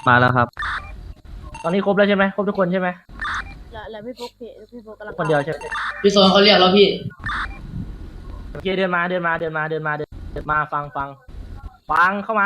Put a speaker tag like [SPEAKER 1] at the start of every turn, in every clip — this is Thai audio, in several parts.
[SPEAKER 1] มาแล้วครับ
[SPEAKER 2] ตอนนี้ครบแล้วใช่ไหมครบทุกคนใช่ไหม
[SPEAKER 3] แล้วพี่ฟุกพี่ฟุกกำลัง
[SPEAKER 2] คนเดียวใช่ไหม
[SPEAKER 4] พี่โซนเขาเรียกแล้วพี่
[SPEAKER 2] โอเคเดินมาฟังเข้ามา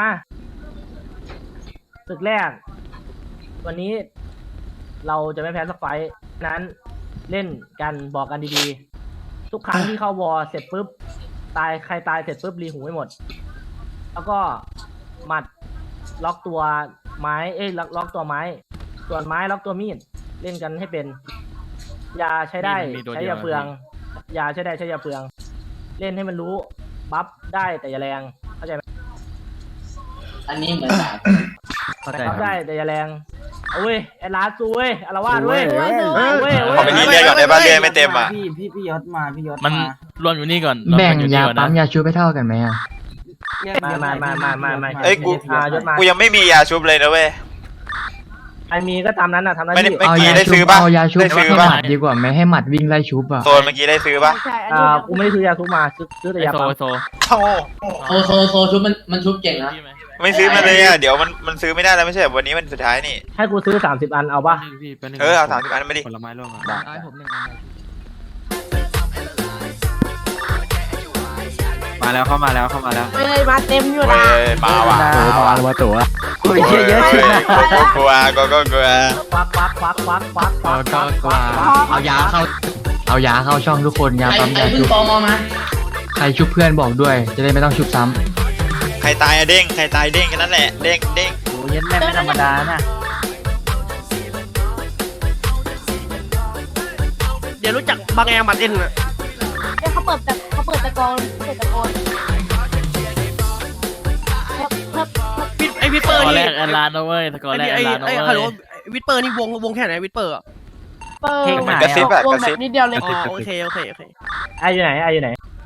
[SPEAKER 2] ศึกแรก วันนี้เราจะไม่แพ้สักไฟท์นั้นเล่นกันบอกกันดีๆ ทุกครั้งที่เข้าวอร์เสร็จปุ๊บใครตายเสร็จปุ๊บรีหูให้หมด แล้วก็หมัดล็อกตัวไม้ล็อกตัวไม้ ส่วนไม้ล็อกตัวมีดเล่นกันให้เป็นยาใช้ได้ใช้ยาเปลืองยาใช้ได้ใช้ยาเปลือง เล่นให้มันรู้บัฟได้แต่อย่าแรงเข้าใจไหม
[SPEAKER 4] อันนี้เหมือนสาม
[SPEAKER 1] เข้าใจ
[SPEAKER 2] บัฟ
[SPEAKER 1] ครับ
[SPEAKER 2] ได้แต่อย่าแรงเอาเว้ยไอ้ลาซูเว้ยอารวาสเว้ย
[SPEAKER 3] เว้ย
[SPEAKER 5] ขอไปรีเรียกก่อนได้ป่ะเรียกไม่เต็มอ่ะ
[SPEAKER 6] พี่ยศมาพี่ยศ
[SPEAKER 7] มัน
[SPEAKER 6] มาร
[SPEAKER 7] วมอยู่นี่ก่อน
[SPEAKER 1] แบ่ง
[SPEAKER 7] รวมอยู่
[SPEAKER 1] ยา
[SPEAKER 7] นี่ก่อน
[SPEAKER 1] ปั๊
[SPEAKER 7] นะ
[SPEAKER 1] มยาชูไปเท่ากันไหมอ่ะ
[SPEAKER 2] มา
[SPEAKER 5] เอ้ยกู
[SPEAKER 2] ยศมา
[SPEAKER 5] กูยังไม่มียาชุบเลยนะเว้ย
[SPEAKER 2] ใครมีก็ตามนั้นน่ะทำหน้า
[SPEAKER 5] ไม่ได้
[SPEAKER 2] ที่
[SPEAKER 5] เมื่อ
[SPEAKER 1] เอา
[SPEAKER 5] กี้
[SPEAKER 1] ยา
[SPEAKER 5] ได้
[SPEAKER 1] ชู
[SPEAKER 5] ซื้อปะ
[SPEAKER 1] เอายาชู
[SPEAKER 5] ได้ซื้อ
[SPEAKER 1] ให้
[SPEAKER 5] ปะ
[SPEAKER 1] หมัดดีกว่าไหมให้หมัดวิ่งไล่ชูป่ะ
[SPEAKER 5] โซนเมื่อกี้ได้ซื้อปะ
[SPEAKER 3] ใช่อันนี้
[SPEAKER 2] กูไม่ได้ซื้อยาทุกมาซื้อแต่
[SPEAKER 7] ไอย
[SPEAKER 2] า
[SPEAKER 7] โซ
[SPEAKER 2] ปั๊ม
[SPEAKER 7] ไอโซ
[SPEAKER 5] โอ้
[SPEAKER 4] โซชุบมันชุบเก่งนะ
[SPEAKER 7] พี่ไหม
[SPEAKER 5] ไม่ซื้อมาเลยอ่ะเดี๋ยวมันซื้อไม่ได้แล้วไม่ใช่เหรอวันนี้มันสุดท้ายนี่
[SPEAKER 2] ให้กูซื้อ30 อันเอาป่ะ
[SPEAKER 5] เออเอา30 อันมาดิ
[SPEAKER 6] ผลไม้ร่วงก่อน
[SPEAKER 1] ได้ผมหนึ่ง
[SPEAKER 6] มาแล้วเข้ามาแล้ว
[SPEAKER 3] เฮ้ยมาเต็มอยู่
[SPEAKER 5] เว้
[SPEAKER 3] นะ
[SPEAKER 5] ยมาว่ะ
[SPEAKER 1] มาตัว
[SPEAKER 5] โอ้ยเยอะชินะก็กลัวก็กลัว
[SPEAKER 2] ควัก
[SPEAKER 1] เอายาเข้าช่องทุกคนยา
[SPEAKER 4] ไอ้
[SPEAKER 1] ปั๊มยา
[SPEAKER 4] เพิ่
[SPEAKER 1] ชู
[SPEAKER 4] งตอมอมา
[SPEAKER 1] ใครชุบเพื่อนบอกด้วย จะได้ไม่ต้องชุบซ้
[SPEAKER 5] ใครตายอะเด้งใครตายเด้งแค่นั้นแหละเด้ง
[SPEAKER 6] โอ้ยยันแม่ไม่ธรรมดานะ
[SPEAKER 8] เดี๋ยวรู้จักบางแอร์มาเต้นอ่ะ
[SPEAKER 3] เอ้ยเขาเปิดตะโกนเพิ่ม
[SPEAKER 8] ไอวิทเป
[SPEAKER 7] ส
[SPEAKER 8] อร์
[SPEAKER 7] กอร์แร
[SPEAKER 8] นี่
[SPEAKER 7] กแอนลานนะเว้ยสกอร์แรกแอนลานนะ
[SPEAKER 8] ฮัลโหล
[SPEAKER 7] เว้ย
[SPEAKER 8] วิทเปอร์นี่วงแค่ไหนวิทเปอร์อ่ะ
[SPEAKER 3] เปิด
[SPEAKER 5] เหมือนกระซิบอะ
[SPEAKER 3] วง
[SPEAKER 5] กระ
[SPEAKER 3] แบ
[SPEAKER 5] ซิบบ
[SPEAKER 3] นิดเดียวเลย
[SPEAKER 8] อ๋อโอเค
[SPEAKER 2] ไอ้อยู่ไหน
[SPEAKER 1] ำ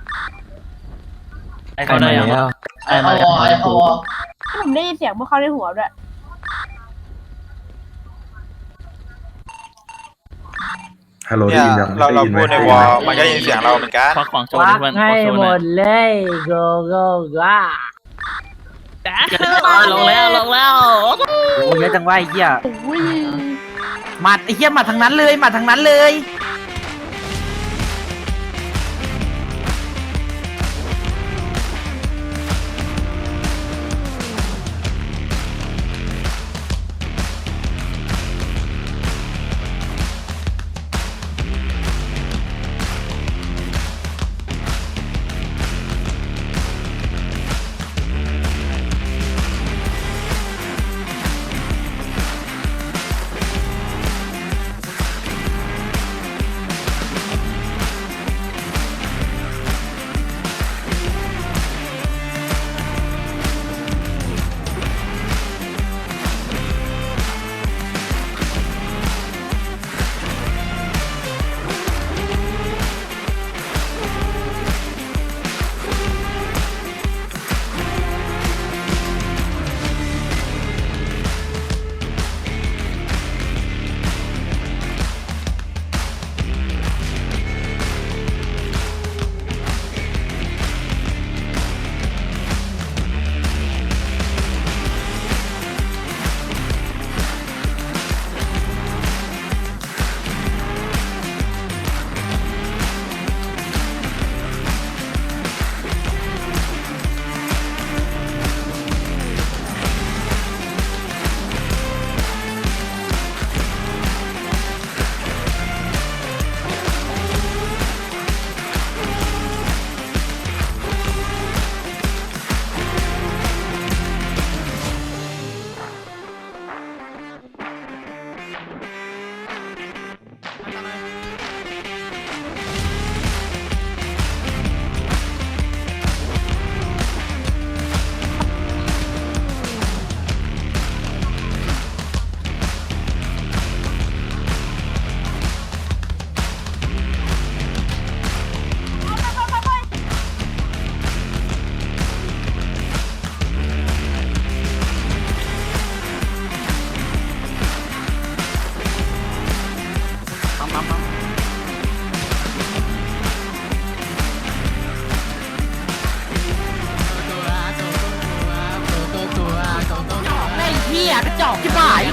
[SPEAKER 1] ใครมาแล้ว
[SPEAKER 4] ไอ้เขาวอไอ้เขาวอ
[SPEAKER 3] ผมได้ยินเสียงพวกเขาในหัวด้วย
[SPEAKER 9] ฮัลโหล
[SPEAKER 5] เนี่ย
[SPEAKER 9] ได้ยินยัง
[SPEAKER 5] เราพูดในวอลมันก็ได้ยินเสียงเราเหมือนกัน
[SPEAKER 7] ควักของโช
[SPEAKER 2] ค
[SPEAKER 7] ว์
[SPEAKER 2] วั
[SPEAKER 7] ดิ
[SPEAKER 2] ก
[SPEAKER 7] เพื่อน
[SPEAKER 2] ให้
[SPEAKER 7] ขอโชว์
[SPEAKER 2] ห
[SPEAKER 7] ห
[SPEAKER 2] ม
[SPEAKER 7] น่อย
[SPEAKER 2] ดเลย go
[SPEAKER 7] ลงแล้ว
[SPEAKER 6] โอ้ยเยอะจังว่าไอ้เหี้ย
[SPEAKER 3] อุ้ย
[SPEAKER 6] หมัดไอ้เหี้ยหมัดทางนั้นเลยหมัดทางนั้นเลย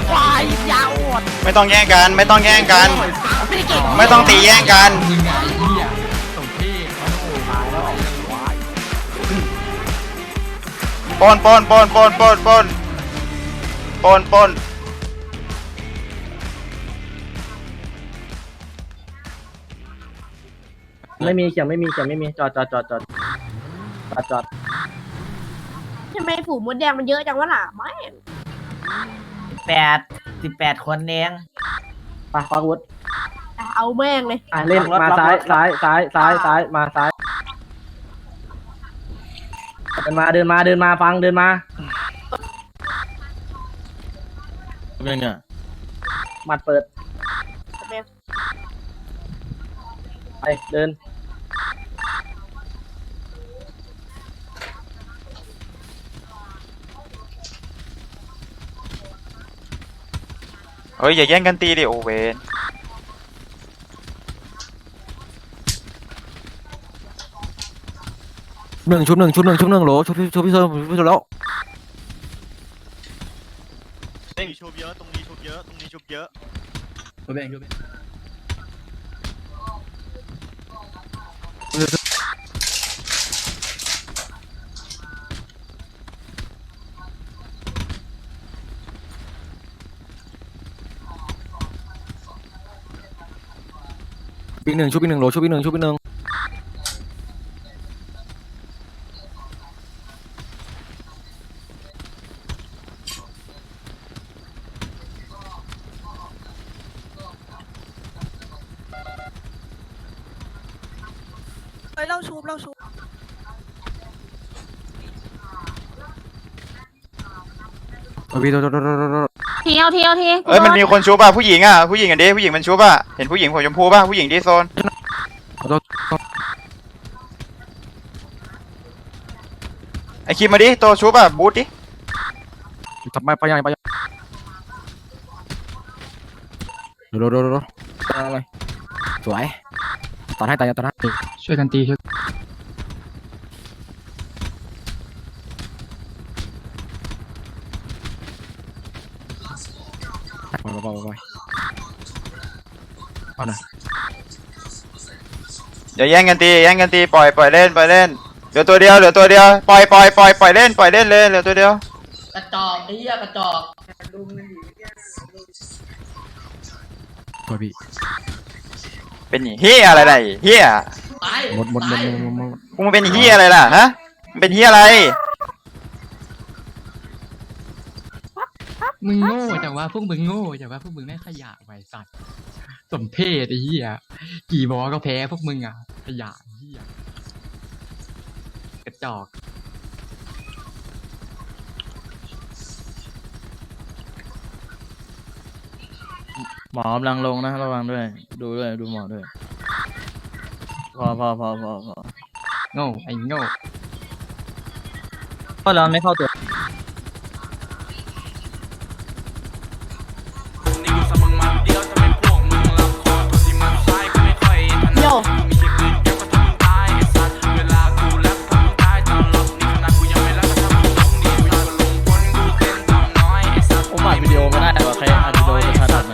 [SPEAKER 6] ควายยาวอด
[SPEAKER 5] ไม่ต้องแย่งกัน ไม่ต้องแย่งกัน ไม่ต้องตีแย่งกัน
[SPEAKER 1] มึงไงไอ้เหี้ยสมเพศ
[SPEAKER 5] ปนปนปนปนปนปนปนปน
[SPEAKER 2] ไม่มีเขียงไม่มีจอด
[SPEAKER 3] ทำไมฝูงมดแดงมันเยอะจังวะล่ะไม่
[SPEAKER 6] 18คนเอง
[SPEAKER 2] ไปควักวุฒิ
[SPEAKER 3] เอาแม่งเลย
[SPEAKER 2] เล่นมาซ้ายมาซ้ายเดินมาฟังเดินมา
[SPEAKER 7] เป็นเนี่ย
[SPEAKER 2] หมัดเปิดไปเดิน
[SPEAKER 5] เฮ้ยอย่าแย่งกันตีดิโอเวน
[SPEAKER 6] ชุบหนึ่งโหลชุบพี่โซแล้ว
[SPEAKER 5] ชุบเยอะตรงนี้ชุบเยอะตรงนี้ชุบเยอะ
[SPEAKER 1] ชุบเองชุบเอง
[SPEAKER 6] ชุบอีกหนึ่งโหลชุบอีกหนึ่ง
[SPEAKER 8] เล่าชูบ
[SPEAKER 6] พี่โซ
[SPEAKER 3] ทีเอาที
[SPEAKER 5] เอ้ยมันมีคนชุบอ่ะผู้หญิงอ่ะผู้หญิงอันนี้ผู้หญิงมันชุบอ่ะเห็นผู้หญิงผมชมพูป่ะผู้หญิงที่โซนไอคิมมาดิโตชุบอ่ะบูทดิ
[SPEAKER 6] ทำไมไปยังโดอะไรสวยตอนให้ตายตอนให้
[SPEAKER 1] ช่วยกันตีช่วย
[SPEAKER 6] ไปเอาหน่อย
[SPEAKER 5] อย่าแย่งกันตีปล่อยเล่นเหลือตัวเดียวปล่อยเล่นเลยเหลือตัวเดียว
[SPEAKER 4] กระจอกไอ้เหี้ยกระจอก
[SPEAKER 6] ตัวพี่
[SPEAKER 5] เป็นเฮียอะไรล่ะเฮีย
[SPEAKER 4] ตาย
[SPEAKER 6] หมด
[SPEAKER 5] กูมันเป็นเฮียอะไรล่ะฮะมันเป็นเฮียอะไร
[SPEAKER 1] มึงโง่แต่ว่าพวกมึงโง่แต่ว่าพวกมึงไม่ขยะไว้สัตว์สมเพศไอ้เหี้ยกี่บอก็แพ้พวกมึงอ่ะขยะเหี้ยกระจอก
[SPEAKER 7] หมอกำลังลงนะระวังด้วยดูหมอด้วยพอ
[SPEAKER 1] โง่ไอ้โง่
[SPEAKER 7] ก็เราไม่เข้าตัว
[SPEAKER 3] โย
[SPEAKER 7] ผมอัดวิดีโอไม่ได้ว่าใครอัดวิดีโอจะทันอัดไหม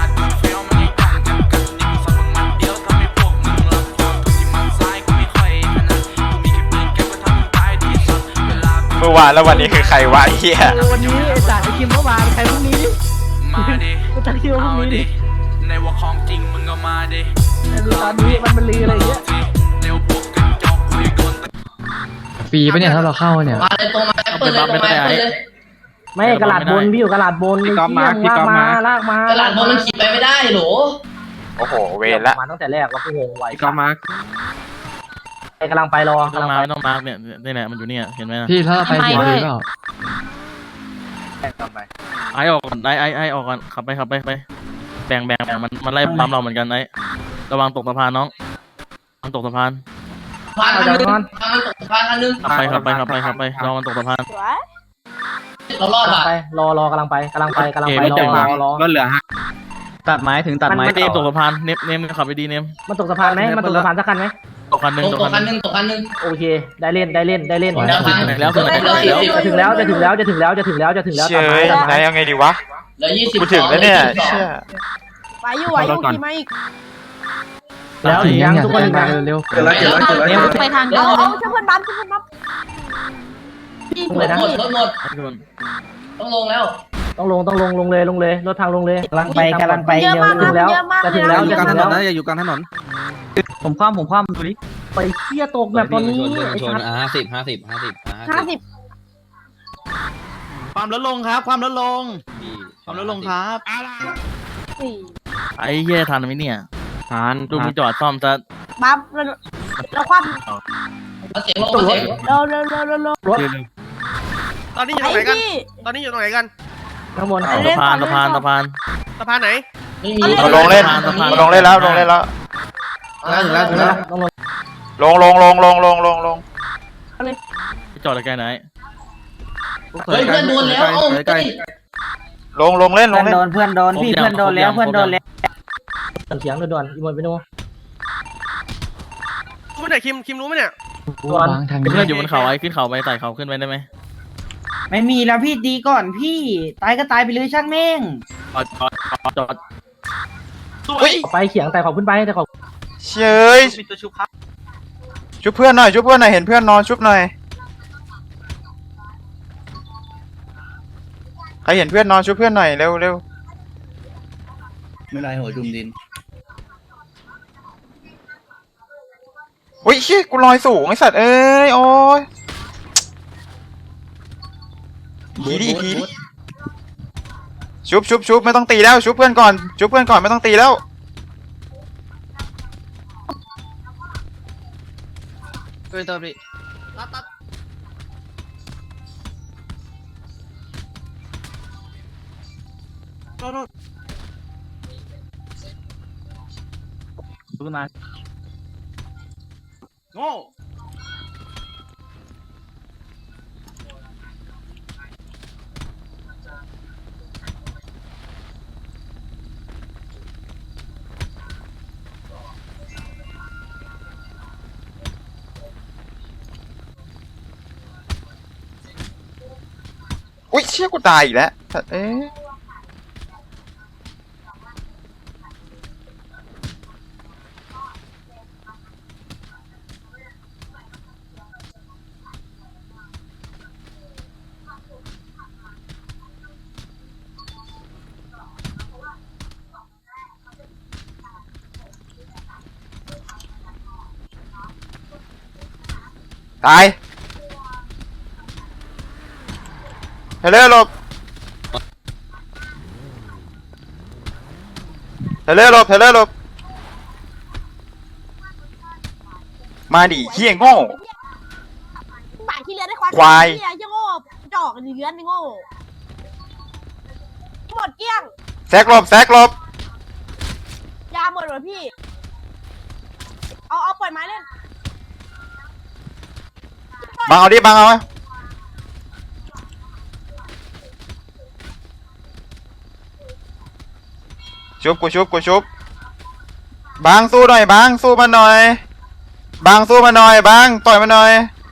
[SPEAKER 5] เมื่อวานแล้ววันนี้คือใครวะไอ้เฮีย
[SPEAKER 2] วันนี้ไอ้จ่าไอ้คิมเมื่อวานใครพรุ่งนี้ดิกูตั้งคิวพรุ่งนี้ดิในว่าของจริงมึงก็มาดิตอนนี้มันลืออะไรอย่างเงี้ย
[SPEAKER 1] ฟรีปะเนี่ยถ้าเราเข้าเนี่ย
[SPEAKER 4] มาเลยตรงมาเปิดเลย
[SPEAKER 2] ไม่กระดาษบนพี่อยู่กระดาษบนลากมาก
[SPEAKER 4] ระดาษบอลมันขี่ไปไม่ได้โหล
[SPEAKER 5] โอ้โหเวรละ
[SPEAKER 2] มาตั้งแต่แรกว่ากูงงไว้
[SPEAKER 6] ก็มา
[SPEAKER 2] กำลังไปรอ
[SPEAKER 7] ไม่ต้องมาร์กเนี่ยนี่แหละมันอยู่เนี่ยเห็นไหมนะ
[SPEAKER 1] พี่ถ้าเราไปเสียงดีเปล่า
[SPEAKER 7] ไอออกก่อนไอออกก่อนขับไปแบ่งมันไล่ปั๊มเราเหมือนกันไอระวังตกสะพานน้องมันตกสะพาน
[SPEAKER 4] พานคันนึง
[SPEAKER 7] ขับไปรอมันตกสะพาน
[SPEAKER 3] สวย
[SPEAKER 4] เรารอดอ่ะ
[SPEAKER 2] ไปรอกำลังไปรอ
[SPEAKER 6] ก็เหลือฮะ
[SPEAKER 1] ตัดไม้ถึงตัดไม้
[SPEAKER 7] มันเนมตกสะพานเนมขับไปดีเนม
[SPEAKER 2] มันตกสะพานไหมมันตกสะพานสักคันไหม
[SPEAKER 7] ตกคันหนึ่ง
[SPEAKER 4] ตกคันนึง
[SPEAKER 2] โอเคได้เล่น
[SPEAKER 4] แล้ว
[SPEAKER 2] จะถึงแล้ว
[SPEAKER 5] เชยนายเอาไงดีวะ
[SPEAKER 4] เหลือ20
[SPEAKER 5] กูถึงแล้วเนี่ยเชี่ย
[SPEAKER 3] ไปอยู่ไหวอยู่ขี่มาอีก
[SPEAKER 2] แล้วถึงยังทุกคนถึงยัง
[SPEAKER 1] เร็ว
[SPEAKER 9] เกิดแล้วเกิดแล้วเกิดแล้วเกิดแล้ว
[SPEAKER 3] ไปทางเดียวเอาช่วยเพื่อนบัฟช่วยเพื่อนบัฟพี่
[SPEAKER 2] ลงเลยนะ
[SPEAKER 4] หมดรถหมดต้องลงแล้ว
[SPEAKER 2] ต้องลงเลยรถทางลงเลย
[SPEAKER 3] เยอะมากนะเยอะมาก
[SPEAKER 2] จะ
[SPEAKER 3] เล
[SPEAKER 2] ถึ
[SPEAKER 3] ย
[SPEAKER 2] งแล้ว
[SPEAKER 3] นะ
[SPEAKER 2] จะถึงแล้ว
[SPEAKER 6] อย่าอยู่กลางถนน
[SPEAKER 1] ผมคว่ำดูดิ
[SPEAKER 2] ไปเที่ยตกแบบตอนนี้ไอ้ชัด
[SPEAKER 3] 50
[SPEAKER 6] ความลดลงครับ ความลดลงความลดลงครับ
[SPEAKER 3] สี่
[SPEAKER 7] ไอ้เหี้ยทันไหมเนี่ย
[SPEAKER 1] ทาน
[SPEAKER 7] ดูมึงจอดซ่อมซะ
[SPEAKER 3] บัฟแล้วคว่ำ
[SPEAKER 4] เอาเสียงลงเอาเสียง
[SPEAKER 3] เร็ว
[SPEAKER 2] รถ
[SPEAKER 8] ตอนนี้อยู่ต
[SPEAKER 3] ไอ้
[SPEAKER 8] รงไหนกัน
[SPEAKER 3] พี่
[SPEAKER 8] ตอนนี้อยู่ตรงไหนกัน
[SPEAKER 2] ข้างบน
[SPEAKER 7] สะพานสะพานสะพาน
[SPEAKER 8] สะพานไหน
[SPEAKER 4] ไม่มี
[SPEAKER 5] มาลงเล่นมาลงเล่นแล้วลงเล่นแล้ว
[SPEAKER 2] ถึงแล้วต้องลง
[SPEAKER 5] ลง
[SPEAKER 7] ไปจอดใกล้ไหน
[SPEAKER 4] เฮ้ยเพื่อนโดนแล้วเอ้าเฮ้ย
[SPEAKER 5] ลงเล่น
[SPEAKER 6] เพื่อนโดนพี่เพื่อนโดนแล้วเพื่อนโดนแล้ว
[SPEAKER 2] เสียงด่วนๆอีโมนไปโน่
[SPEAKER 8] รู้ไหมเนี่ยคิมรู้ไหมเนี่ย
[SPEAKER 2] ด่วน
[SPEAKER 1] วางทาง
[SPEAKER 7] เพื่อนอยู่บนเขาไอ้ขึ้นเขาไปไต่เขาขึ้นไปได้ไหม
[SPEAKER 6] ไม่มีแล้วพี่ดีก่อนพี่ตายก็ตายไปเลยช่างแม่ง
[SPEAKER 7] จอด
[SPEAKER 2] ไปเขียงแต่ขอบขึ้นไปแต่ขอบ
[SPEAKER 5] เชยชุบเพื่อนหน่อยเห็นเพื่อนนอนชุบหน่อยใครเห็นเพื่อนนอนชุบเพื่อนหน่อยเร็ว
[SPEAKER 9] ไม่ไรหัวจุ่มดิน
[SPEAKER 5] อุ้ยเชี่ยกูลอยสูงไอสัตว์เอ้ยโอ้ยทีดิชุบไม่ต้องตีแล้วชุบเพื่อนก่อนไม่ต้องตีแล้วอุ้ยเชี่ยกูตายอีกแล้วสัตว์เอ้ยตายเฮเลอร์หลบมาดิเฮี้ยโง่
[SPEAKER 3] บาทที่เรือได้ควาย
[SPEAKER 5] ควาย
[SPEAKER 3] เฮียยังโง่จอกเลื้อนโง่หมดเกลี้ยง
[SPEAKER 5] แซกหลบ
[SPEAKER 3] ยาหมดเหรอพี่ เอาปล่อยไม้เล่น
[SPEAKER 5] บังเอาดิบังเอาชุบบังสู้หน่อยบังสู้มาหน่อยบังต่อยมาหน่อย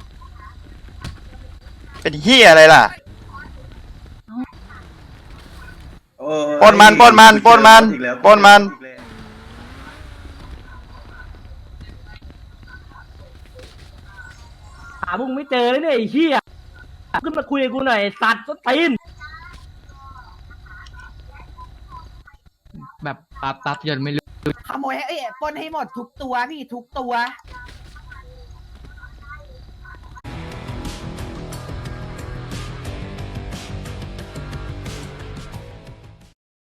[SPEAKER 5] เป็นเหี้ยอะไรล่ะปล้นมัน
[SPEAKER 2] หาพวกมึงไม่เจอเลยเนี่ยไอ้เหี้ยขึ้นมาคุยกับกูหน่อยสัตว์ต้นตีน
[SPEAKER 1] แบบปั๊บจนไม่รู้
[SPEAKER 6] ขโมยให้ปล้นให้หมดทุกตัวพี่ทุกตัว